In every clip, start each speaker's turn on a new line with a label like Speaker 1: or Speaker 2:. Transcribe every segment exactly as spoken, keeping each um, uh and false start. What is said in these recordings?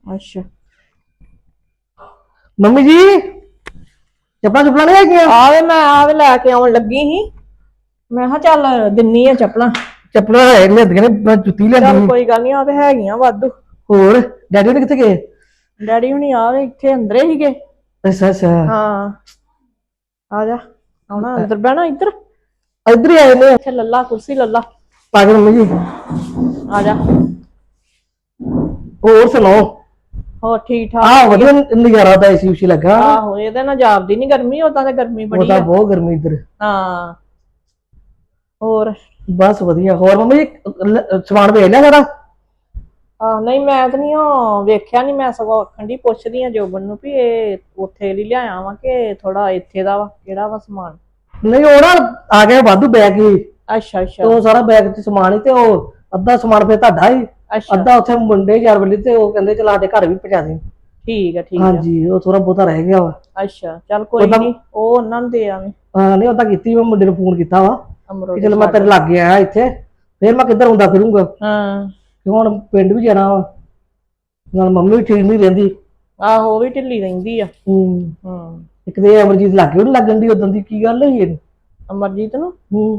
Speaker 1: अच्छा
Speaker 2: ਮੰਮੀ ਜੀ ਚੱਪਲਾਂ ਚੁੱਪਲਾਂ ਨਹੀਂ ਹੈਗੀਆਂ?
Speaker 1: आवे मैं आवे लैके आउन लगी ही मैं हा चल दिन्नी आ चप्पलां
Speaker 2: ਚੱਪਲਾਂ ਹੈ ਲਿਆਂਦੀਆਂ ਨੇ ਮੈਂ ਜੁੱਤੀ ਲਿਆਂਦੀ
Speaker 1: चल
Speaker 2: ਸੀ।
Speaker 1: कोई गल नहीं आ ते हैगियां वाधू
Speaker 2: ਹੋਰ ਡੈਡੀ ਨੇ ਕਿੱਥੇ ਗਏ?
Speaker 1: डैडी हुणी आवे इत्थे अंदरे ही गए।
Speaker 2: ਅੱਛਾ ਅੱਛਾ
Speaker 1: हाँ आ जा आना अंदर बहना इधर
Speaker 2: ਇੱਧਰ ਹੀ ਆਏ ਨੇ।
Speaker 1: इत्थे लल्ला कुर्सी लल्ला
Speaker 2: ਪਾਗਲ ਮੰਮੀ ਜੀ
Speaker 1: आ जा
Speaker 2: ਹੋਰ ਸੁਣਾਓ?
Speaker 1: हो ठीक ठाक
Speaker 2: ਆਹ ਵਧੀਆ ਨਜ਼ਾਰਾ ਤਾਂ ਏਸੀ ਉਸੀ ਲੱਗਾ।
Speaker 1: आहो ਇਹਦੇ ਨਾਲ ਜਾਪਦੀ ਨਹੀਂ ਗਰਮੀ ਉਦਾਂ ਤੇ ਗਰਮੀ
Speaker 2: ਉਹ
Speaker 1: ਬੜੀ
Speaker 2: ਤਾਂ
Speaker 1: ਆ।
Speaker 2: ਬਹੁਤ ਗਰਮੀ ਇੱਧਰ।
Speaker 1: ਹਾਂ ਹੋਰ
Speaker 2: ਬਸ ਵਧੀਆ। ਹੋਰ ਮੰਮੀ ਜੀ ਲ- ਸਮਾਨ ਵੇਚ ਲਿਆ ਸਾਰਾ?
Speaker 1: ਆ ਨਹੀਂ ਮੈਂ ਤਾਂ ਨਹੀਂ ਉਹ ਵੇਖਿਆ ਨਹੀਂ ਮੈਂ ਸਗੋਂ ਆਖਣ ਦੀ ਪੁੱਛਦੀ ਆ ਜੋਬਨ ਨੂੰ ਵੀ ਇਹ ਉੱਥੇ ਲਈ ਲਿਆਇਆ ਵਾ ਕਿ ਥੋੜਾ ਇੱਥੇ ਦਾ ਵਾ ਕਿਹੜਾ ਵਾ ਸਮਾਨ।
Speaker 2: ਨਹੀਂ ਉਹ ਨਾ ਆ ਗਿਆ ਵਾਧੂ ਬੈਗ ਹੀ ਤੇ
Speaker 1: ਅੱਛਾ ਅੱਛਾ
Speaker 2: ਉਹ ਸਾਰਾ ਬੈਗ ਚ ਸਮਾਨ ਹੀ ਤੇ ਉਹ ਅੱਧਾ ਸਮਾਨ ਫਿਰ ਤੁਹਾਡਾ ਹੀ
Speaker 1: ਅੱਛਾ
Speaker 2: ਅੱਧਾ ਉੱਥੇ ਮੁੰਡੇ ਯਾਰ ਵੱਲੀ ਤੇ ਉਹ ਕਹਿੰਦੇ ਚਲਾ ਸਾਡੇ ਘਰ ਵੀ ਪਹੁੰਚਾ ਦੇ।
Speaker 1: ਠੀਕ ਆ ਠੀਕ ਆ
Speaker 2: ਹਾਂਜੀ ਉਹ ਥੋੜਾ ਬਹੁਤਾ ਰਹਿ ਗਿਆ ਵਾ।
Speaker 1: ਅੱਛਾ ਚੱਲ ਕੋਈ
Speaker 2: ਉਹਦਾ-
Speaker 1: ਨਹੀਂ ਉਹ ਉਹਨਾਂ ਨੂੰ ਦੇ ਆਵੇਂ
Speaker 2: ਹਾਂ ਨਹੀਂ ਉਹ ਤਾਂ ਕੀਤੀ ਮੈਂ ਮੁੰਡੇ ਨੂੰ ਫੋਨ ਕੀਤਾ ਵਾ
Speaker 1: ਅਮਰੋ
Speaker 2: ਕਿ ਚਲ ਮੈਂ ਤੇਰੇ ਲਾਗੇ ਆਇਆ ਇੱਥੇ ਫਿਰ ਮੈਂ ਕਿੱਧਰ ਹੁੰਦਾ ਫਿਰੂੰਗਾ
Speaker 1: ਹਾਂ
Speaker 2: ਕਿ ਹੁਣ ਪਿੰਡ ਵੀ ਜਾਣਾ ਵਾ ਨਾਲ ਮੰਮੀ ਵੀ ਠੀਕ ਨਹੀਂ ਰਹਿੰਦੀ।
Speaker 1: ਆਹੋ ਉਹ ਵੀ ਢਿੱਲੀ ਰਹਿੰਦੀ ਆ।
Speaker 2: ਹੂੰ
Speaker 1: ਹੂੰ
Speaker 2: ਇੱਕ ਤੇ ਅਮਰਜੀਤ ਲਾਗੇ ਉਹਨੂੰ ਲੱਗਣ ਦੀ ਉਦੋਂ ਦੀ ਕੀ ਗੱਲ ਹੋਈ ਇਹਨੂੰ?
Speaker 1: ਅਮਰਜੀਤ ਨੂੰ
Speaker 2: ਹੂੰ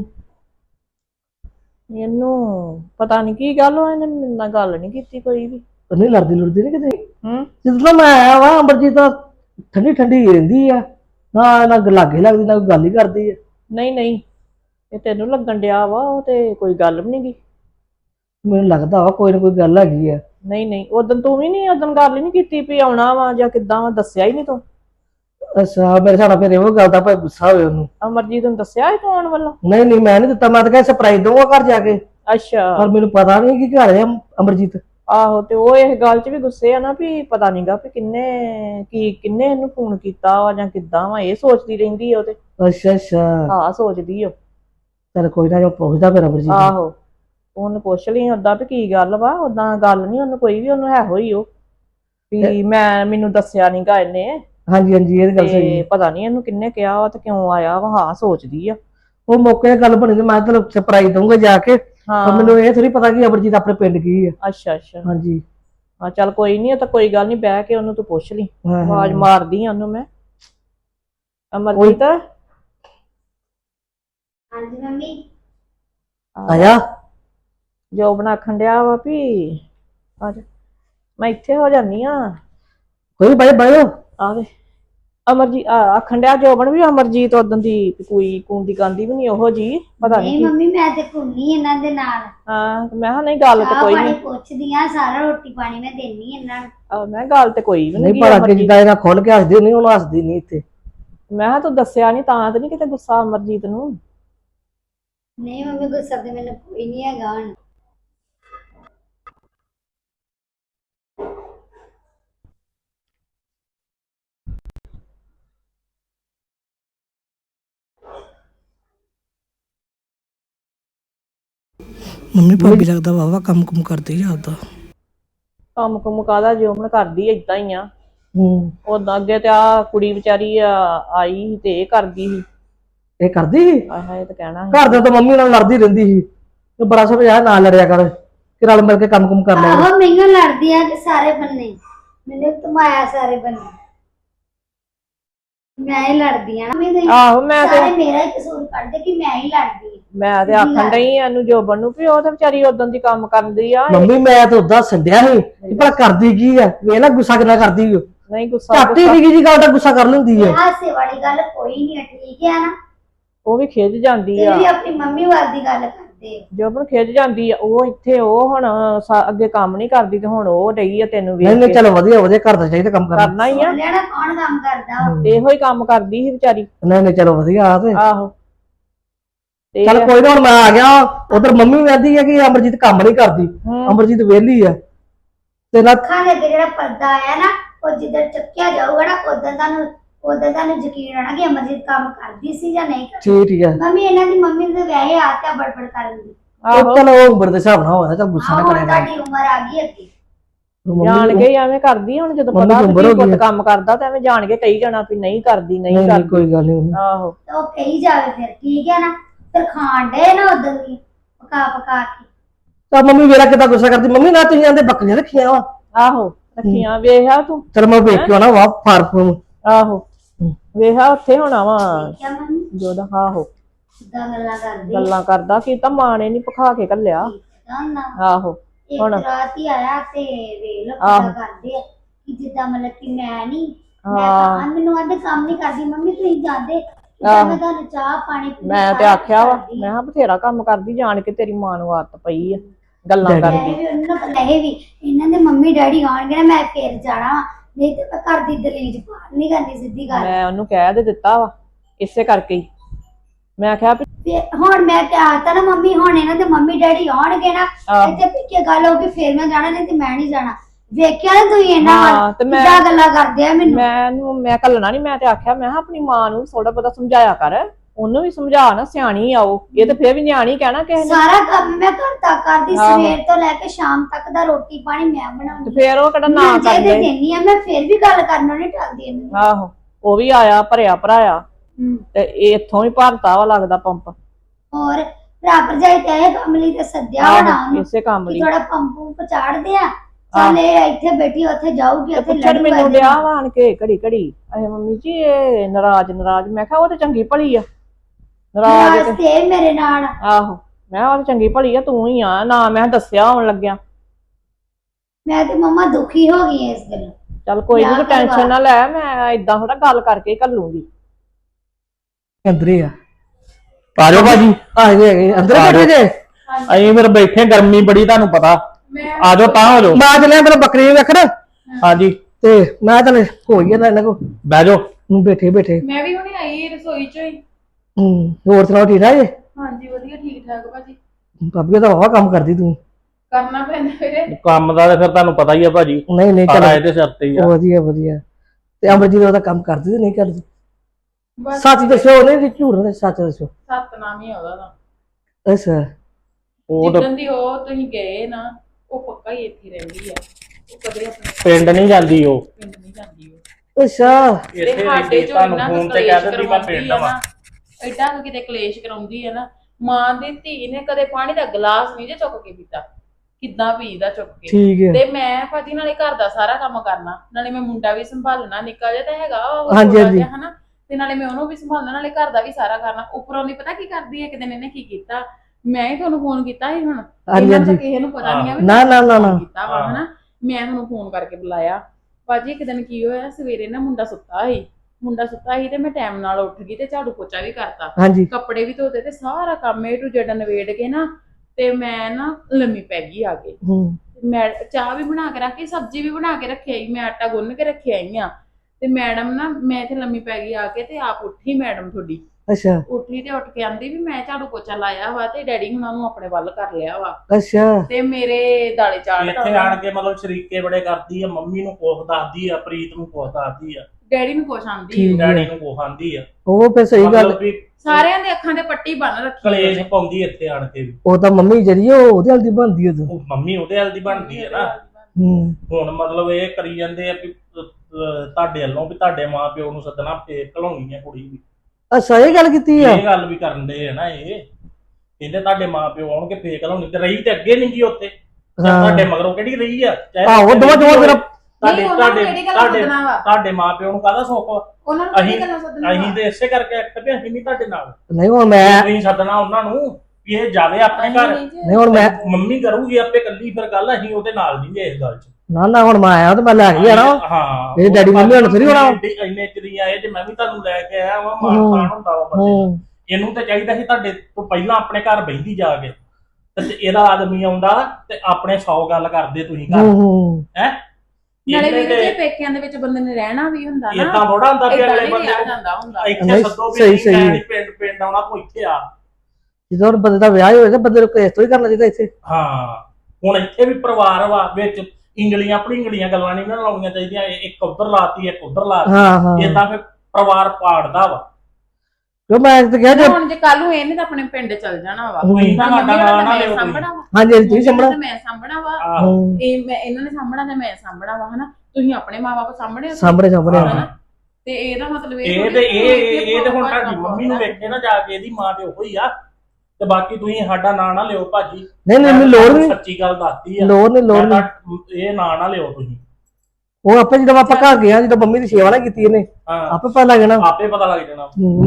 Speaker 1: ਇਹਨੂੰ ਪਤਾ ਨਹੀਂ ਕੀ ਗੱਲ ਹੋਈ ਇਹਨੇ ਮੇਰੇ ਨਾਲ ਗੱਲ ਨਹੀਂ ਕੀਤੀ ਕੋਈ ਵੀ।
Speaker 2: ਨਹੀਂ ਲੜਦੀ ਲੁੜਦੀ ਨਹੀਂ ਕਿਤੇ?
Speaker 1: ਹੂੰ
Speaker 2: ਜਦੋਂ ਮੈਂ ਆਇਆ ਵਾ ਅਮਰਜੀਤ ਤਾਂ ਠੰਡੀ ਠੰਡੀ ਰਹਿੰਦੀ ਆ ਨਾ ਨਾ ਲਾਗੇ ਲੱਗਦੀ ਨਾ ਕੋਈ ਗੱਲ ਹੀ ਕਰਦੀ ਆ।
Speaker 1: ਨਹੀਂ ਨਹੀਂ ਇਹ ਤੈਨੂੰ ਲੱਗਣ ਡਿਆ ਵਾ ਉਹ ਤੇ ਕੋਈ ਗੱਲ ਵੀ ਨਹੀਂ ਗੀ।
Speaker 2: ਮੈਨੂੰ ਲੱਗਦਾ ਵਾ ਕੋਈ ਨਾ ਕੋਈ ਗੱਲ ਹੈਗੀ ਆ।
Speaker 1: ਨਹੀਂ ਨਹੀਂ ਉਦੋਂ ਤੂੰ ਵੀ ਨਹੀਂ ਉਦੋਂ ਗੱਲ ਹੀ ਨਹੀਂ ਕੀਤੀ ਵੀ ਆਉਣਾ ਵਾ ਜਾਂ ਕਿੱਦਾਂ ਵਾ ਦੱਸਿਆ ਹੀ ਨਹੀਂ ਤੂੰ।
Speaker 2: ਅੱਛਾ ਮੇਰੇ ਹਿਸਾਬ ਨਾਲ ਫਿਰ ਇਹੋ ਗੱਲ ਦਾ ਭਾਵੇਂ ਗੁੱਸਾ ਹੋਵੇ ਉਹਨੂੰ।
Speaker 1: ਅਮਰਜੀਤ ਨੂੰ ਦੱਸਿਆ ਸੀ ਤੂੰ ਆਉਣ ਵੱਲੋਂ?
Speaker 2: ਨਹੀਂ ਨਹੀਂ ਮੈਂ ਨਹੀਂ ਦਿੱਤਾ ਮੈਂ ਤਾਂ ਕਿਹਾ ਸਰਪ੍ਰਾਈਜ਼ ਦਊਂਗਾ ਘਰ ਜਾ ਕੇ
Speaker 1: ਅੱਛਾ
Speaker 2: ਪਰ ਮੈਨੂੰ ਪਤਾ ਨਹੀਂ ਕਿ ਘਰ ਹੈ ਅਮਰਜੀਤ।
Speaker 1: ਆਹੋ ਤੇ ਉਹ ਇਸ ਗੱਲ 'ਚ ਵੀ ਗੁੱਸੇ ਆ ਨਾ ਵੀ ਪਤਾ ਨਹੀਂਗਾ ਵੀ ਕਿੰਨੇ ਕੀ ਕਿੰਨੇ ਇਹਨੂੰ ਫੋਨ ਕੀਤਾ ਵਾ ਜਾਂ ਕਿੱਦਾਂ ਵਾ ਇਹ ਸੋਚਦੀ ਰਹਿੰਦੀ ਆ ਉਹ ਤੇ।
Speaker 2: ਅੱਛਾ ਅੱਛਾ
Speaker 1: ਹਾਂ ਸੋਚਦੀ ਆ।
Speaker 2: ਚਲ ਕੋਈ ਨਾ ਜੋ ਪੁੱਛਦਾ ਫਿਰ ਅਮਰਜੀਤ ਨੂੰ।
Speaker 1: ਆਹੋ ਉਹਨੂੰ ਪੁੱਛ ਲਈ ਓਦਾਂ ਵੀ ਕੀ ਗੱਲ ਵਾ ਓਦਾਂ ਗੱਲ ਨਹੀਂ ਉਹਨੂੰ ਕੋਈ ਵੀ ਉਹਨੂੰ ਹੈ ਹੋਈ ਉਹ ਵੀ ਮੈਂ ਮੈਨੂੰ ਦੱਸਿਆ ਨਹੀਂਗਾ ਇਹਨੇ
Speaker 2: ਹਾਂਜੀ ਹਾਂਜੀ ਇਹ ਤਾਂ ਗੱਲ ਸਹੀ
Speaker 1: ਤੇ
Speaker 2: ਹੈ।
Speaker 1: ਪਤਾ ਨਹੀਂ ਇਹਨੂੰ ਕਿੰਨੇ ਕਿਹਾ ਵਾ ਤੇ ਕਿਉਂ ਆਇਆ ਵਾ। ਹਾਂ ਸੋਚਦੀ ਆ।
Speaker 2: ਉਹ ਮੌਕੇ ਤੇ ਗੱਲ ਬਣੀ ਤੇ ਮੈਂ ਚਲ ਸਰਪ੍ਰਾਈਜ਼ ਦਊਂਗਾ ਜਾ ਕੇ ਪਰ
Speaker 1: ਹਾਂ
Speaker 2: ਮੈਨੂੰ ਇਹ ਥੋੜੀ ਪਤਾ ਕਿ ਅਮਰਜੀਤ ਆਪਣੇ ਪਿੰਡ ਗਈ ਆ।
Speaker 1: ਅੱਛਾ ਅੱਛਾ
Speaker 2: ਹਾਂਜੀ
Speaker 1: ਹਾਂ ਚੱਲ ਕੋਈ ਨਹੀਂ ਤਾਂ ਕੋਈ ਗੱਲ ਨਹੀਂ ਬਹਿ ਕੇ ਉਹਨੂੰ ਤੂੰ ਪੁੱਛ ਲਈ।
Speaker 2: ਹਾਂ, ਹਾਂ।
Speaker 1: ਆਵਾਜ਼ ਮਾਰਦੀ ਆ ਉਹਨੂੰ ਮੈਂ। ਅਮਰਜੀਤ
Speaker 3: ਹਾਂਜੀ ਮੰਮੀ
Speaker 2: ਆਇਆ
Speaker 1: ਜੋ ਬਣਾ ਖੰਡਿਆ ਵਾ ਵੀ ਆ ਜਾ ਮੈਂ ਇੱਥੇ ਹੋ ਜਾਨੀ ਆ।
Speaker 2: ਕੋਈ ਬਾਈ ਬਾਈ
Speaker 1: ਆਵੇ ਅਮਰਜੀਤ ਆਖਣ ਡਿਆ ਜੋਬਨ ਵੀ ਅਮਰਜੀਤ ਉਦੋਂ ਦੀ ਕੋਈ ਕੁੰਦੀ ਕਾਂਦੀ ਵੀ ਨਹੀਂ ਉਹੋ ਜੀ ਪਤਾ
Speaker 3: ਨਹੀਂ
Speaker 1: ਨਹੀਂ।
Speaker 3: ਮੰਮੀ ਮੈਂ ਤੇ ਘੁੰਮੀ ਇਹਨਾਂ ਦੇ ਨਾਲ
Speaker 1: ਹਾਂ ਤੇ ਮੈਂ ਕਿਹਾ ਨਹੀਂ ਗੱਲ ਤੇ
Speaker 3: ਚਾਹ
Speaker 1: ਕੋਈ
Speaker 3: ਪਾਣੀ
Speaker 1: ਨਹੀਂ।
Speaker 3: ਪੁੱਛਦੀ ਆ ਸਾਰਾ ਰੋਟੀ ਪਾਣੀ ਮੈਂ ਦੇਣੀ ਇਹਨਾਂ ਨੂੰ।
Speaker 1: ਮੈਂ ਕਿਹਾ ਗੱਲ ਤੇ ਕੋਈ ਵੀ
Speaker 2: ਨਹੀਂ
Speaker 1: ਨਹੀਂ
Speaker 2: ਪਰ ਅੱਗੇ ਜਿੱਦਾਂ ਇਹਨਾਂ ਖੁੱਲ ਕੇ ਹੱਸਦੀ ਨਹੀਂ ਉਹਨੂੰ ਹੱਸਦੀ ਨਹੀਂ ਇੱਥੇ।
Speaker 1: ਮੈਂ ਕਿਹਾ ਤੂੰ ਦੱਸਿਆ ਨਹੀਂ ਤਾਂ ਤੇ ਨਹੀਂ ਕਿਤੇ ਗੁੱਸਾ ਅਮਰਜੀਤ ਨੂੰ।
Speaker 3: ਨਹੀਂ ਮੰਮੀ ਗੁੱਸਾ ਤੇ ਮੈਨੂੰ ਕੋਈ ਨਹੀਂ ਹੈਗਾ ਹੁਣ।
Speaker 2: ਮੰਮੀ ਭਾਬੀ ਲੱਗਦਾ ਵਾਵਾ ਕੰਮ ਕੁਮ ਕਰਦੀ ਆ ਆਪਦਾ।
Speaker 1: ਕੰਮ ਕੁਮ ਕਾਹਦਾ ਜੋਬਨ ਕਰਦੀ ਏਦਾਂ ਹੀ ਆ।
Speaker 2: ਹੂੰ
Speaker 1: ਉਦਾਂ ਅੱਗੇ ਤੇ ਆ ਕੁੜੀ ਵਿਚਾਰੀ ਆ ਆਈ ਸੀ ਤੇ ਇਹ ਕਰਦੀ ਸੀ।
Speaker 2: ਇਹ ਕਰਦੀ ਸੀ
Speaker 1: ਆਹ ਇਹ ਤਾਂ ਕਹਿਣਾ ਸੀ।
Speaker 2: ਘਰ ਦੇ ਤਾਂ ਮੰਮੀ ਨਾਲ ਲੜਦੀ ਰਹਿੰਦੀ ਸੀ ਤੇ ਬੜਾ ਸਮਝਾਇਆ ਨਾ ਲੜਿਆ ਕਰ ਕਿ ਰਲ ਮਿਲ ਕੇ ਕੰਮ ਕੁਮ ਕਰ ਲਿਆ ਕਰ।
Speaker 3: ਆਹੋ ਮੈਨੂੰ ਲੜਦੀ ਆ ਕਿ ਸਾਰੇ ਬੰਨੇ ਮੈਨੂੰ ਧਮਾਇਆ ਸਾਰੇ ਬੰਨੇ ਮੈਂ ਹੀ ਲੜਦੀ ਆ ਨਾ। ਮੈਂ ਤਾਂ-
Speaker 1: ਆਹੋ ਮੈਂ ਤੇ
Speaker 3: ਸਾਰੇ ਮੇਰਾ ਹੀ ਕਸੂਰ ਕੱਢਦੇ ਕਿ ਮੈਂ ਹੀ ਲੜਦੀ ਆ।
Speaker 1: ਮੈਂ ਤੇ ਆਖਣ ਡਈ ਆ ਇਹਨੂੰ ਜੋਬਨ ਨੂੰ ਵੀ ਉਹ ਤੇ ਵਿਚਾਰੀ ਉਦੋਂ ਦੀ ਕੰਮ ਕਰਦੀ ਆ।
Speaker 2: ਮੰਮੀ ਮੈਂ ਤਾਂ ਉਦਾਂ ਸੰਡਿਆ ਸੀ ਕਿ ਭਲਾ ਕਰਦੀ ਕੀ ਆ ਵੇਖ ਲੈ ਗੁੱਸਾ ਕਿੰਨਾ ਕਰਦੀ ਓ।
Speaker 1: ਨਹੀਂ ਗੁੱਸਾ
Speaker 2: ਝਾਟੀ
Speaker 1: ਗੁੱਸਾ-
Speaker 2: ਨਿੱਕੀ ਜੀ ਗੱਲ ਦਾ ਗੁੱਸਾ ਕਰ ਲੈਂਦੀ ਆ।
Speaker 3: ਹਾਸੇ ਵਾਲੀ ਗੱਲ ਕੋਈ ਨਹੀਂ ਠੀਕ ਹੈ ਨਾ।
Speaker 1: ਉਹ ਵੀ ਖਿੱਚ ਜਾਂਦੀ
Speaker 3: ਤੇ
Speaker 1: ਆ।
Speaker 3: ਵੀ ਆਪਣੀ ਮੰਮੀ ਵੱਲ ਦੀ ਗੱਲ ਕਰਦੇ।
Speaker 1: ਜੋਬਨ ਖਿੱਚ ਜਾਂਦੀ ਆ। ਉਹ ਇੱਥੇ ਉਹ ਹੁਣ ਸਾ- ਅੱਗੇ ਕੰਮ ਨਹੀਂ ਕਰਦੀ ਤੇ ਹੁਣ ਉਹ ਡਈ ਆ ਤੈਨੂੰ
Speaker 2: ਨਹੀਂ
Speaker 1: ਵੇਖ
Speaker 2: ਨਹੀਂ
Speaker 1: ਕੇ
Speaker 2: ਚਲੋ ਵਧੀਆ ਵਧੀਆ ਘਰ ਦਾ ਚਾਹੀਦਾ ਕੰਮ ਕਰਨਾ।
Speaker 1: ਕਰਨਾ ਹੀ ਆ।
Speaker 3: ਲੈਣਾ ਕੌਣ ਕੰਮ ਕਰਦਾ ਵਾ?
Speaker 1: ਇਹੋ ਹੀ ਕੰਮ ਕਰਦੀ ਸੀ ਵਿਚਾਰੀ।
Speaker 2: ਨਹੀਂ ਨਹੀਂ ਚਲੋ ਵਧੀਆ ਆ ਤੇ
Speaker 1: ਆਹੋ ਤੇ
Speaker 2: ਚਲ ਕੋਈ ਨਾ ਹੁਣ ਮੈਂ ਆ ਗਿਆ ਉਧਰ ਮੰਮੀ ਕਹਿੰਦੀ ਹੈ ਕਿ ਅਮਰਜੀਤ ਕੰਮ ਨਹੀਂ ਕਰਦੀ
Speaker 1: ਹਮ,
Speaker 2: ਅਮਰਜੀਤ ਵਿਹਲੀ ਆ ਤੇ ਨਾ
Speaker 3: ਅੱਖਾਂ ਦੇ ਅੱਗੇ ਜਿਹੜਾ ਪਰਦਾ ਆਇਆ ਨਾ ਉਹ ਜਿੱਧਰ ਚੱਕਿਆ ਜਾਊਗਾ ਨਾ ਉਦੋਂ ਤੁਹਾਨੂੰ ਉਦੋਂ ਤੁਹਾਨੂੰ ਯਕੀਨ ਆਣਾ ਕਿ ਅਮਰਜੀਤ ਕੰਮ ਕਰਦੀ ਸੀ ਜਾਂ ਨਹੀਂ ਕਰਦੀ।
Speaker 2: ਠੀਕ ਠੀਕ ਆ
Speaker 3: ਮੰਮੀ ਇਹਨਾਂ ਦੀ ਮੰਮੀ ਦੇ ਵੈਸੇ ਆਦਤ ਆ ਬੜਬੜ ਕਰਨ ਦੀ।
Speaker 1: ਆਹੋ
Speaker 2: ਚਲੋ ਉਹ ਉਮਰ ਦੇ ਹਿਸਾਬ ਨਾਲ ਹੋਇਆ ਚਲ ਗੁੱਸਾ
Speaker 3: ਆਹ
Speaker 2: ਨਾ
Speaker 3: ਹੁਣ
Speaker 2: ਕਰਿਆ
Speaker 3: ਤੁਹਾਡੀ ਉਮਰ ਆ ਗਈ ਅੱਗੇ।
Speaker 1: ਜਾਣ ਕੇ ਹੀ ਐਵੇਂ ਕਰਦੀ ਹੁਣ ਜਦੋਂ
Speaker 2: ਮੰਮੀ
Speaker 1: ਪਤਾ
Speaker 2: ਦੀ ਉਮਰ
Speaker 1: ਵੀ
Speaker 2: ਹੋ ਗਈ
Speaker 1: ਪੁੱਤ
Speaker 2: ਆ।
Speaker 1: ਕੰਮ ਕਰਦਾ ਤਾਂ ਐਵੇਂ ਜਾਣ ਕੇ ਕਹੀ ਜਾਣਾ ਵੀ ਨਹੀਂ ਕਰਦੀ ਨਹੀਂ
Speaker 2: ਨਹੀਂ ਨਹੀਂ
Speaker 1: ਕਰਦੀ।
Speaker 2: ਕੋਈ ਗੱਲ ਨਹੀਂ
Speaker 1: ਆਹੋ
Speaker 3: ਤੇ ਉਹ ਕਹੀ ਜਾਵੇ ਫਿਰ ਠੀਕ ਹੈ ਨਾ। ਫਿਰ ਖਾਣ ਡੇ ਨਾ ਉਦੋਂ ਦੀ ਪਕਾ ਪਕਾ ਕੇ।
Speaker 2: ਤਾਂ ਮੰਮੀ ਵੇਲਾ ਕਿਦਾਂ ਗੁੱਸਾ ਕਰਦੀ ਮੰਮੀ ਨਾ ਤੁਸੀਂ ਆਂਦੇ ਬੱਕਰੀਆਂ ਰੱਖੀਆਂ ਵਾ
Speaker 1: ਆਹੋ ਰੱਖੀਆਂ ਵੇਖਿਆ ਤੂੰ
Speaker 2: ਚਲ ਮੈਂ ਵੇਖ ਕੇ ਆਉਣਾ ਵਾ ਫਾਰਮ।
Speaker 1: ਆਹੋ ਵੇਖਿਆ ਉੱਥੇ ਹੋਣਾ ਵਾ
Speaker 3: ਕਿਆ ਮੰਮੀ
Speaker 1: ਜੋਦਾ। ਆਹੋ
Speaker 3: ਕਿੱਦਾਂ ਗੱਲਾਂ ਕਰਦੇ
Speaker 1: ਗੱਲਾਂ ਕਰਦਾ ਕੀ ਤਾਂ ਮਾਂ ਨੇ ਨੀ ਪਖਾ ਕੇ ਘੱਲਿਆ।
Speaker 3: ਪਤਾ ਨਾ
Speaker 1: ਆਹੋ
Speaker 3: ਇੱਕ
Speaker 1: ਹੁਣ
Speaker 3: ਰਾਤ ਹੀ ਆਇਆ ਤੇ ਵੇਖ ਲੋ
Speaker 1: ਆਹੋ।
Speaker 3: ਕਿੱਦਾਂ ਕਰਦੇ ਆ ਕਿ ਜਿੱਦਾਂ ਮਤਲਬ ਕਿ ਮੈਂ ਨਹੀਂ ਮੈਂ
Speaker 1: ਹਾਂ।
Speaker 3: ਤਾਂ ਮੈਨੂੰ ਆਂਦੇ ਕੰਮ ਨਹੀਂ ਕਰਦੀ ਮੰਮੀ ਤੁਸੀਂ ਜਾਂਦੇ
Speaker 1: ਆਹੋ।
Speaker 3: ਜਿੱਦਾਂ ਮੈਂ ਤੁਹਾਨੂੰ ਚਾਹ ਪਾਣੀ ਪੂਰੀ
Speaker 1: ਮੈਂ ਤੇ
Speaker 3: ਸਾਰਾ
Speaker 1: ਆਖਿਆ ਵਾ
Speaker 3: ਕਰਦੀ।
Speaker 1: ਮੈਂ ਕਿਹਾ ਬਥੇਰਾ ਕੰਮ ਕਰਦੀ ਜਾਣ ਕੇ ਤੇਰੀ ਮਾਂ ਨੂੰ ਆਦਤ ਪਈ ਆ ਗੱਲਾਂ
Speaker 2: ਡੈਡੀ।
Speaker 1: ਕਰਦੀ।
Speaker 3: ਵੈਸੇ ਵੀ ਉਹਨਾਂ ਨੂੰ ਪਤਾ ਇਹ ਵੀ ਇਹਨਾਂ ਦੇ ਮੰਮੀ ਡੈਡੀ ਆਉਣਗੇ ਨਾ ਮੈਂ ਫੇਰ ਜਾਣਾ ਵਾ, ਨਹੀਂ ਤੇ ਮੈਂ ਘਰ ਦੀ ਦਲੀਜ ਪਾਰ ਨਹੀਂ ਕਰਨੀ ਸਿੱਧੀ ਗੱਲ।
Speaker 1: ਮੈਂ ਉਹਨੂੰ ਕਹਿ ਦੇ ਦਿੱਤਾ ਵਾ ਇਸੇ ਕਰਕੇ ਹੀ। ਮੈਂ ਕਿਹਾ ਵੀ
Speaker 3: ਫਿਰ ਹੁਣ ਮੈਂ ਕਿਹਾ ਨਾ ਮੰਮੀ ਹੁਣ ਇਹਨਾਂ ਦੇ ਮੰਮੀ ਡੈਡੀ ਆਉਣਗੇ ਨਾ
Speaker 1: ਆਹ।
Speaker 3: ਇੱਥੇ ਪਿੱਛੇ ਗੱਲ ਹੋਊਗੀ ਫੇਰ ਮੈਂ ਜਾਣਾ ਨਹੀਂ ਤੇ ਮੈਂ ਨਹੀਂ ਜਾਣਾ। ਵੇਖਿਆ ਨਾ ਤੁਸੀਂ ਇਹਨਾਂ
Speaker 1: ਹਾਂ,
Speaker 3: ਵੱਲ
Speaker 1: ਤੇ ਮੈਂ-
Speaker 3: ਕਿੱਦਾਂ ਗੱਲਾਂ ਕਰਦੇ ਆ ਮੈਨੂੰ।
Speaker 1: ਮੈਨੂੰ ਮੈਂ ਘੱਲਣਾ ਨਹੀਂ। ਮੈਂ ਤੇ ਆਖਿਆ ਮੈਂ ਕਿਹਾ ਆਪਣੀ ਮਾਂ ਨੂੰ ਥੋੜਾ ਬਹੁਤਾ ਸਮਝਾਇਆ ਕਰ, ਉਹਨੂੰ ਵੀ ਸਮਝਾ ਨਾ ਸਿਆਣੀ ਆ ਉਹ। ਇਹ ਤੇ ਫੇਰ ਵੀ ਨਿਆਣੀ ਕਹਿਣਾ ਕਿਸੇ ਨੇ।
Speaker 3: ਸਾਰਾ ਕੰਮ ਮੈਂ ਘਰ ਤੱਕ ਕਰਦੀ
Speaker 1: ਆਹੋ।
Speaker 3: ਸਵੇਰ ਤੋਂ ਲੈ ਕੇ ਸ਼ਾਮ ਤੱਕ ਦਾ ਰੋਟੀ ਪਾਣੀ ਮੈਂ
Speaker 1: ਤੇ
Speaker 3: ਬਣਾਉਂਦੀ।
Speaker 1: ਫੇਰ ਉਹ ਕਿਹੜਾ ਨਾ
Speaker 3: ਮੈਂ ਜੇ
Speaker 1: ਕਰਦੇ।
Speaker 3: ਦੇਣੀ ਆ ਮੈਂ ਫੇਰ ਵੀ ਗੱਲ ਕਰਨੋਂ ਨਹੀਂ ਟਲਦੀ ਇਹਨੂੰ।
Speaker 1: ਆਹੋ ਉਹ ਵੀ ਆਇਆ ਭਰਿਆ ਭਰਾਇਆ
Speaker 3: ਹੂੰ।
Speaker 1: ਤੇ ਇਹ ਇੱਥੋਂ ਵੀ ਭਰਤਾ ਵਾ ਲੱਗਦਾ ਪੰਪ।
Speaker 3: ਹੋਰ ਭਰਾ ਭਰਜਾਈ ਤੇ ਇਹ ਕੰਮ ਲਈ ਤੇ ਸੱਦਿਆ ਹੋਣਾ
Speaker 1: ਆਹੋ
Speaker 3: ਉਹਨੂੰ
Speaker 1: ਇਸੇ ਕੰਮ ਲਈ।
Speaker 3: ਥੋੜਾ ਪੰਪੂ ਪਚਾੜਦੇ ਆ ਚੱਲ ਇਹ ਇੱਥੇ ਬੈਠੀ ਉੱਥੇ ਜਾਊਗੀ
Speaker 1: ਤੇ
Speaker 3: ਉੱਥੇ
Speaker 1: ਪੁੱਛਣ
Speaker 3: ਲੜੂ
Speaker 1: ਮੈਨੂੰ
Speaker 3: ਇਹਦੇ
Speaker 1: ਡਿਆ
Speaker 3: ਨਾਲ।
Speaker 1: ਵਾ ਆਣ ਕੇ ਘੜੀ ਘੜੀ ਅਹੇ ਮੰਮੀ ਜੀ ਇਹ ਨਾਰਾਜ਼ ਨਾਰਾਜ਼। ਮੈਂ ਕਿਹਾ ਉਹ ਤੇ ਚੰਗੀ ਭਲੀ ਆ ਨਾਰਾਜ਼
Speaker 3: ਨਾਰਾਜ਼
Speaker 1: ਤੇ।
Speaker 3: ਤੇ ਮੇਰੇ ਨਾਲ
Speaker 1: ਆਹੋ ਮੈਂ ਕਿਹਾ ਉਹ ਤੇ ਚੰਗੀ ਭਲੀ ਆ ਤੂੰ ਹੀ ਆ ਨਾ। ਮੈਂ ਦੱਸਿਆ ਆਉਣ ਲੱਗਿਆ।
Speaker 3: ਮੈਂ ਤੇ ਮੰਮਾ ਦੁਖੀ ਹੋ ਗਈ ਇਸ ਗੱਲੋਂ।
Speaker 1: ਚੱਲ ਕੋਈ ਨੀ
Speaker 3: ਵਿਆਹ
Speaker 1: ਤੂੰ ਟੈਨਸ਼ਨ
Speaker 3: ਕਰਵਾ।
Speaker 1: ਨਾ ਲੈ। ਮੈਂ ਏਦਾਂ ਥੋੜਾ ਗੱਲ ਕਰਕੇ ਹੀ ਘੱਲੂੰਗੀ।
Speaker 2: ਅੰਦਰੇ ਆ
Speaker 4: ਆ ਜਾਓ ਭਾਜੀ।
Speaker 2: ਆ ਗਏ ਹੈਗੇ ਅੰਦਰ
Speaker 4: ਆ
Speaker 2: ਬੈਠੇ ਜੇ।
Speaker 4: ਅਸੀਂ ਫਿਰ ਬੈਠੇ ਗਰਮੀ ਬੜੀ ਤੁਹਾਨੂੰ ਪਤਾ। ਆ ਜਾਓ ਤਾਂ ਹੋ ਜਾਓ।
Speaker 2: ਮੈਂ ਚੱਲਿਆ ਮੇਰਾ ਬੱਕਰੀ ਵੇਖਣ
Speaker 4: ਹਾਂਜੀ
Speaker 2: ਤੇ ਮੈਂ ਚੱਲ ਹੋ ਗਿਆ ਇਹਨਾਂ ਕੋ
Speaker 4: ਬਹਿ ਜਾਓ।
Speaker 2: ਬੈਠੇ ਬੈਠੇ।
Speaker 5: ਮੈਂ ਵੀ ਹੁਣੇ ਆਈ ਰਸੋਈ ਚੋਂ ਹੀ।
Speaker 2: ਹੂੰ ਹੋਰ ਸੁਣਾਓ ਠੀਕ ਠਾਕ ਜੇ?
Speaker 5: ਹਾਂਜੀ ਵਧੀਆ ਠੀਕ ਠਾਕ ਭਾਜੀ।
Speaker 2: ਭਾਬੀ ਤਾਂ ਵਾਹ ਕੰਮ ਕਰਦੀ ਤੂੰ।
Speaker 5: ਕਰਨਾ ਪੈਂਦਾ ਵੀਰੇ।
Speaker 4: ਕੰਮ ਦਾ ਤਾਂ ਫਿਰ ਤੁਹਾਨੂੰ ਪਤਾ ਹੀ ਆ ਭਾਜੀ।
Speaker 2: ਨਹੀਂ ਨਹੀਂ
Speaker 4: ਸਾਰਾ
Speaker 2: ਚੱਲ
Speaker 4: ਇਹਦੇ ਸਿਰ ਤੇ ਹੀ ਆ।
Speaker 2: ਵਧੀਆ ਵਧੀਆ। ਤੇ ਅਮਰਜੀਤ ਉਹਦਾ ਕੰਮ ਕਰਦੀ ਤੇ ਨਹੀਂ ਕਰਦੀ?
Speaker 5: ਬਸ
Speaker 2: ਸੱਚ ਦੱਸੋ ਨਹੀਂ ਝੂਠ ਨਾ ਸੱਚ ਦੱਸੋ।
Speaker 5: ਸਤਨਾਮ ਹੀ ਆ ਉਹਦਾ ਤਾਂ।
Speaker 2: ਅੱਛਾ
Speaker 4: ਉਹ ਤਾਂ
Speaker 5: ਜਿੱਦਣ ਦੀ ਉਹ ਤੁਸੀਂ ਗਏ ਨਾ ਉਹ ਪੱਕਾ ਹੀ ਇੱਥੇ ਰਹਿੰਦੀ ਆ। ਉਹ ਕਦੇ ਆਪਣੇ
Speaker 4: ਪਿੰਡ ਨਹੀਂ ਜਾਂਦੀ ਉਹ।
Speaker 5: ਪਿੰਡ ਨਹੀਂ ਜਾਂਦੀ ਉਹ।
Speaker 2: ਅੱਛਾ
Speaker 5: ਤੇ
Speaker 4: ਇੱਥੇ
Speaker 5: ਸਾਡੇ
Speaker 4: ਰਹਿੰਦੀ।
Speaker 5: ਚੋਂ
Speaker 4: ਤੁਹਾਨੂੰ
Speaker 5: ਇੰਨਾ
Speaker 4: ਫੋਨ
Speaker 5: ਕੁ
Speaker 4: ਤੇ ਕਹਿ
Speaker 5: ਕਲੇਸ਼
Speaker 4: ਦਿੰਦੀ ਮੈਂ
Speaker 5: ਕਰਵਾਉਂਦੀ
Speaker 4: ਪਿੰਡ
Speaker 5: ਆ
Speaker 4: ਵਾਂ।
Speaker 5: ਨਾ। ਐਡਾ ਕੁ ਕਿਤੇ ਕਲੇਸ਼ ਕਰਾਉਂਦੀ ਆ ਨਾ। ਮਾਂ ਦੀ ਧੀ ਨੇ ਕਦੇ ਪਾਣੀ ਦਾ ਗਲਾਸ ਨਹੀਂ ਜੇ ਚੁੱਕ ਕੇ ਪੀਤਾ। ਕਿੱਦਾਂ ਪੀਦਾ ਚੁੱਕ ਕੇ।
Speaker 2: ਠੀਕ ਹੈ।
Speaker 5: ਤੇ ਮੈਂ ਭਾਜੀ ਨਾਲੇ ਘਰ ਦਾ ਸਾਰਾ ਕੰਮ ਕਰਨਾ ਨਾਲੇ ਮੈਂ ਮੁੰਡਾ ਵੀ ਸੰਭਾਲਣਾ। ਨਿੱਕਾ ਜਿਹਾ ਤਾਂ ਹੈਗਾ ਉਹ
Speaker 2: ਹਾਂਜੀ,
Speaker 5: ਛੋਟਾ
Speaker 2: ਹਾਂਜੀ।
Speaker 5: ਜਿਹਾ ਹਨਾ। ਤੇ ਨਾਲੇ ਮੈਂ ਉਹਨੂੰ ਵੀ ਸੰਭਾਲਣਾ ਨਾਲੇ ਘਰ ਦਾ ਵੀ ਸਾਰਾ ਕਰਨਾ। ਉੱਪਰੋਂ ਦੀ ਪਤਾ ਕੀ ਕਰਦੀ ਹੈ ਇੱਕ ਦਿਨ ਇਹਨੇ ਕੀ ਕੀਤਾ। ਮੈਂ ਹੀ ਤੁਹਾਨੂੰ ਫੋਨ ਕੀਤਾ ਸੀ ਹੁਣ।
Speaker 2: ਹਾਂਜੀ,
Speaker 5: ਇਹਨਾਂ ਨੂੰ ਤਾਂ
Speaker 2: ਹਾਂਜੀ।
Speaker 5: ਕਿਸੇ ਨੂੰ ਪਤਾ ਨਹੀਂ ਆ ਵੀ
Speaker 2: ਨਾ, ਨਾ, ਨਾ, ਨਾ।
Speaker 5: ਫੋਨ ਕੀਤਾ ਵਾ ਹਨਾ। ਮੈਂ ਤੁਹਾਨੂੰ ਫੋਨ ਕਰਕੇ ਬੁਲਾਇਆ। ਭਾਜੀ ਇੱਕ ਦਿਨ ਕੀ ਹੋਇਆ ਸਵੇਰੇ ਨਾ ਮੁੰਡਾ ਸੁੱਤਾ ਸੀ। ਮੁੰਡਾ ਸੁੱਤਾ ਸੀ ਤੇ ਮੈਂ ਟਾਈਮ ਨਾਲ ਉੱਠ ਗਈ ਤੇ ਝਾੜੂ ਪੋਚਾ ਵੀ ਕਰਤਾ।
Speaker 2: ਹਾਂਜੀ
Speaker 5: ਕੱਪੜੇ ਵੀ ਧੋਤੇ ਤੇ ਸਾਰਾ ਕੰਮ ਏ ਟੂ ਜ਼ੈਡ ਨਵੇੜ ਕੇ ਨਾ ਤੇ ਮੈਂ ਨਾ ਲੰਮੀ ਪੈ ਗਈ ਆ ਕੇ।
Speaker 2: ਹੂੰ
Speaker 5: ਮੈਂ ਚਾਹ ਵੀ ਬਣਾ ਕੇ ਰੱਖੀ ਸਬਜ਼ੀ ਵੀ ਬਣਾ ਕੇ ਰੱਖੀ ਆਈ। ਮੈਂ ਆਟਾ ਗੁੰਨ ਕੇ ਰੱਖਿਆ ਆਈ ਆ ਤੇ ਮੈਡਮ ਨਾ ਮੈਂ ਇੱਥੇ ਲੰਮੀ ਪੈ ਗਈ ਆ ਕੇ ਤੇ ਆਪ ਉੱਠੀ ਮੈਡਮ ਤੁਹਾਡੀ।
Speaker 2: ਅੱਛਾ
Speaker 5: ਉੱਠੀ ਤੇ ਉੱਠ ਕੇ ਆਂਦੀ ਵੀ ਮੈਂ ਝਾੜੂ ਪੋਚਾ ਲਾਇਆ ਵਾ ਤੇ ਡੈਡੀ ਹੁਣਾਂ ਨੂੰ ਆਪਣੇ ਵੱਲ ਕਰ ਲਿਆ ਵਾ
Speaker 2: ਅੱਛਾ
Speaker 5: ਤੇ ਮੇਰੇ ਦਾਲੇ ਚਾੜ
Speaker 4: ਇੱਥੇ ਆਣ ਕੇ ਮਤਲਬ ਸ਼ਰੀਕੇ ਬੜੇ ਕਰਦੀ ਆ। ਮੰਮੀ ਨੂੰ ਕੁਛ ਦੱਸਦੀ ਆ, ਪ੍ਰੀਤ ਨੂੰ ਕੁਛ ਦੱਸਦੀ ਆ,
Speaker 5: ਡੈਡੀ ਨੂੰ ਕੁਛ ਆਂਦੀ
Speaker 2: ਠੀਕ।
Speaker 4: ਡੈਡੀ ਨੂੰ ਕੁਛ ਆਂਦੀ ਆ।
Speaker 2: ਉਹ ਫਿਰ ਸਹੀ ਗੱਲ।
Speaker 4: ਮਤਲਬ ਵੀ
Speaker 5: ਸਾਰਿਆਂ ਦੇ ਅੱਖਾਂ ਤੇ ਪੱਟੀ ਬੰਨ ਰੱਖੀ
Speaker 4: ਕਲੇਸ਼ ਪਾਉਂਦੀ ਇੱਥੇ ਆਣ ਕੇ ਵੀ।
Speaker 2: ਉਹ ਤਾਂ ਮੰਮੀ ਜਿਹੜੀ ਉਹ ਉਹਦੇ ਹਲਦੀ ਬਣਦੀ ਉਦੋਂ।
Speaker 4: ਉਹ ਮੰਮੀ ਉਹਦੇ ਹਲ ਦੀ ਬਣਦੀ ਆ ਨਾ।
Speaker 2: ਹੂੰ
Speaker 4: ਹੁਣ ਮਤਲਬ ਇਹ ਕਰੀ ਜਾਂਦੇ ਆ ਵੀ ਅਹ, ਅਹ, ਤੁਹਾਡੇ ਵੱਲੋਂ ਵੀ ਤੁਹਾਡੇ ਮਾਂ ਪਿਓ ਨੂੰ ਸੱਦਣਾ ਫੇਰ ਘਲਾਉਣੀ ਆ ਕੁੜੀ ਵੀ।
Speaker 2: ਅੱਛਾ ਇਹ ਗੱਲ ਕੀਤੀ ਆ।
Speaker 4: ਇਹ ਗੱਲ ਵੀ ਕਰਨ ਦੇ ਆ ਨਾ ਇਹ। ਕਹਿੰਦੇ ਤੁਹਾਡੇ ਮਾਂ ਪਿਓ ਆਉਣਗੇ ਫੇਰ ਘਲਾਉਣੀ ਤੇ ਰਹੀ ਤੇ ਅੱਗੇ ਨਹੀਂ ਗਈ ਉੱਥੇ। ਜਾਂ
Speaker 2: ਹਾਂ।
Speaker 4: ਤੁਹਾਡੇ ਮਗਰੋਂ ਕਿਹੜੀ ਰਹੀ ਆ। ਚਾਹੇ
Speaker 2: ਆਹੋ ਦੋਵਾਂ ਦੋਵਾਂ ਤੇਰਾ
Speaker 4: ਤੁਹਾਡੇ
Speaker 5: ਨਹੀਂ, ਉਹਨਾਂ ਨੂੰ
Speaker 4: ਤੁਹਾਡੇ
Speaker 5: ਕਿਹੜੀ ਗੱਲ
Speaker 4: ਤੁਹਾਡੇ
Speaker 5: ਸੱਦਣਾ ਵਾ?
Speaker 4: ਤੁਹਾਡੇ ਮਾਂ ਪਿਓ ਨੂੰ ਕਾਹਦਾ ਸੁੱਖ ਵਾ?
Speaker 5: ਉਹਨਾਂ ਨੂੰ
Speaker 4: ਅਸੀਂ
Speaker 5: ਕਿਹੜੀ ਗੱਲਾਂ ਸੱਦਣਾ
Speaker 4: ਅਸੀਂ
Speaker 5: ਵਾ?
Speaker 4: ਤੇ ਇਸੇ ਕਰਕੇ ਐਕਟ ਵੀ ਅਸੀਂ ਨਹੀਂ ਤੁਹਾਡੇ ਨਾਲ।
Speaker 2: ਨਹੀਂ ਹੁਣ ਮੈਂ
Speaker 4: ਤੁਸੀਂ ਸੱਦਣਾ ਉਹਨਾਂ ਨੂੰ ਵੀ ਇਹ ਜਾਵੇ ਆਪਣੇ ਘਰ।
Speaker 5: ਨਹੀਂ ਜੀ।
Speaker 2: ਨਹੀਂ ਹੁਣ ਮੈਂ
Speaker 4: ਮੰਮੀ ਕਰੂਗੀ ਆਪੇ ਕੱਲੀ ਫਿਰ ਗੱਲ। ਅਸੀਂ ਉਹਦੇ ਨਾਲ ਨਹੀਂ ਇਸ ਗੱਲ 'ਚ।
Speaker 2: ਨਾ ਨਾ ਹੁਣ ਮੈਂ ਆਇਆ ਤੇ ਮੈਂ ਲੈ ਕੇ ਆਣਾ।
Speaker 4: ਹਾਂ
Speaker 2: ਇਹ ਡੈਡੀ ਮੰਮੀ ਹੁਣ ਥੋੜ੍ਹੀ ਹੋਣਾ ਵਾ।
Speaker 4: ਇੰਨੇ- ਇੰਨੇ ਚਰੀ ਆਏ ਜੇ ਮੈਂ ਵੀ ਤੁਹਾਨੂੰ ਲੈ ਕੇ ਆਇਆ ਵਾ। ਮਾਨ
Speaker 2: ਹੂੰ।
Speaker 4: ਖਾਨ ਹੁੰਦਾ ਵਾ ਬੰਦੇ ਨੂੰ।
Speaker 2: ਹੂੰ
Speaker 4: ਇਹਨੂੰ ਤਾਂ ਚਾਹੀਦਾ ਸੀ ਤੁਹਾਡੇ ਤੋਂ ਪਹਿਲਾਂ ਆਪਣੇ ਘਰ ਬੈਠੀ ਜਾ ਕੇ ਤੇ ਇਹਦਾ ਆਦਮੀ ਆਉਂਦਾ ਤੇ ਆਪਣੇ ਸੌ ਗੱਲ ਕਰਦੇ ਤੁਸੀਂ ਘਰ
Speaker 2: ਹੂੰ ਹੂੰ
Speaker 4: ਹੈ।
Speaker 5: ਨਾਲੇ ਵੀਰੇ ਜੇ ਪੇਕਿਆਂ ਦੇ ਵਿੱਚ ਬੰਦੇ ਨੇ ਰਹਿਣਾ ਵੀ ਹੁੰਦਾ ਨਾ
Speaker 4: ਇਦਾਂ ਥੋੜਾ ਹੁੰਦਾ ਵੀ
Speaker 5: ਏਦਾਂ
Speaker 4: ਅਗਲੇ
Speaker 5: ਨਹੀਂ
Speaker 4: ਬੰਦੇ
Speaker 5: ਰਿਹਾ
Speaker 4: ਨੂੰ
Speaker 5: ਜਾਂਦਾ ਹੁੰਦਾ।
Speaker 4: ਇੱਥੇ
Speaker 2: ਨਹੀਂ,
Speaker 4: ਸੱਦੋ ਵੀ
Speaker 2: ਸਹੀ-
Speaker 4: ਨਹੀਂ,
Speaker 2: ਸਹੀ
Speaker 4: ਮੈਂ
Speaker 2: ਹੈ।
Speaker 4: ਨਹੀਂ ਪਿੰਡ ਪਿੰਡ ਆਉਣਾ ਤੂੰ ਇੱਥੇ ਆ।
Speaker 2: ਜਦੋਂ ਹੁਣ ਬੰਦੇ ਦਾ ਵਿਆਹ ਹੋਇਆ ਤਾਂ ਬੰਦੇ ਨੂੰ ਕੇਸ ਤੋਂ ਹੀ ਕਰਨਾ ਚਾਹੀਦਾ ਇੱਥੇ।
Speaker 4: ਹਾਂ ਹੁਣ ਇੱਥੇ ਵੀ ਪਰਿਵਾਰ ਵਾ ਵਿੱਚ ਇੰਗਲੀਆਂ ਭੜਿੰਗਲੀਆਂ ਗੱਲਾਂ ਨਹੀਂ ਨਾ ਲਾਉਣੀਆਂ ਚਾਹੀਦੀਆਂ। ਇਹ ਇੱਕ ਉੱਧਰ ਲਾਤੀ ਇੱਕ ਉੱਧਰ ਲਾਤੀ।
Speaker 2: ਹਾਂ ਹਾਂ
Speaker 4: ਏਦਾਂ ਫਿਰ ਪਰਿਵਾਰ ਪਾੜਦਾ ਵਾ।
Speaker 2: ਕਿਉਂ ਮੈਂ ਤਾਂ ਕਿਹਾ ਜੇ
Speaker 5: ਹੁਣ ਜੇ ਕੱਲ ਨੂੰ ਇਹਨੇ ਤਾਂ ਆਪਣੇ ਪਿੰਡ ਚਲ ਜਾਣਾ ਵਾ
Speaker 4: ਤੁਸੀਂ ਨਾ ਸਾਡਾ ਨਾਂ ਨਾ ਲਿਓ ਤੁਸੀਂ।
Speaker 5: ਸਾਂਭਣਾ ਵਾ
Speaker 2: ਹਾਂਜੀ ਹਾਂਜੀ ਤੁਸੀਂ ਸੰਭਣਾ।
Speaker 5: ਤੇ ਮੈਂ ਸਾਂਭਣਾ ਵਾ
Speaker 4: ਆਹੋ
Speaker 2: ਹੂੰ
Speaker 5: ਇਹ ਮੈਂ ਇਹਨਾਂ ਨੇ ਸਾਂਭਣਾ ਤੇ ਮੈਂ ਸਾਂਭਣਾ ਵਾ ਹਨਾ। ਤੁਸੀਂ ਆਪਣੇ ਮਾਪੇ ਸਾਂਭਣੇ ਹੋ
Speaker 2: ਸਾਹਮਣੇ ਸਾਹਮਣੇ
Speaker 4: ਹਾਂ।
Speaker 5: ਤੇ ਇਹਦਾ ਮਤਲਬ
Speaker 4: ਇਹ
Speaker 5: ਥੋੜ੍ਹੀ
Speaker 4: ਤੇ
Speaker 5: ਕਿ
Speaker 4: ਇਹ ਇਹ ਤੇ ਹੁਣ
Speaker 5: ਆਪਾਂ
Speaker 4: ਤੁਹਾਡੀ ਮੰਮੀ ਨੂੰ ਵੇਖੇ ਨਾ ਜਾ ਕੇ ਇਹਦੀ ਮਾਂ ਤੇ ਉਹੀ ਆ। ਤੇ ਬਾਕੀ ਤੁਸੀਂ ਸਾਡਾ ਨਾਂ ਨਾ ਲਿਓ ਭਾਜੀ।
Speaker 2: ਨਹੀਂ ਨਹੀਂ ਮੈਨੂੰ ਲੋੜ ਨਹੀਂ
Speaker 4: ਸੱਚੀ ਗੱਲ ਦੱਸਦੀ ਆ।
Speaker 2: ਲੋੜ ਨਹੀਂ ਲੋੜ
Speaker 4: ਮੈਂ
Speaker 2: ਨਹੀਂ।
Speaker 4: ਤਾਂ ਇਹ ਨਾਂ ਨਾ ਲਿਓ ਤੁਸੀਂ।
Speaker 2: ਉਹ ਆਪੇ ਜਦੋਂ ਆਪਾਂ ਘਰ ਗਏ ਆ ਜਦੋਂ ਮੰਮੀ ਦੀ ਸੇਵਾ ਨਾ ਕੀਤੀ ਇਹਨੇ
Speaker 4: ਹਾਂ
Speaker 2: ਆਪੇ ਪਤਾ ਲੱਗ ਜਾਣਾ
Speaker 4: ਆਪੇ ਪਤਾ ਲੱਗ ਜਾਣਾ।
Speaker 2: ਹੂੰ।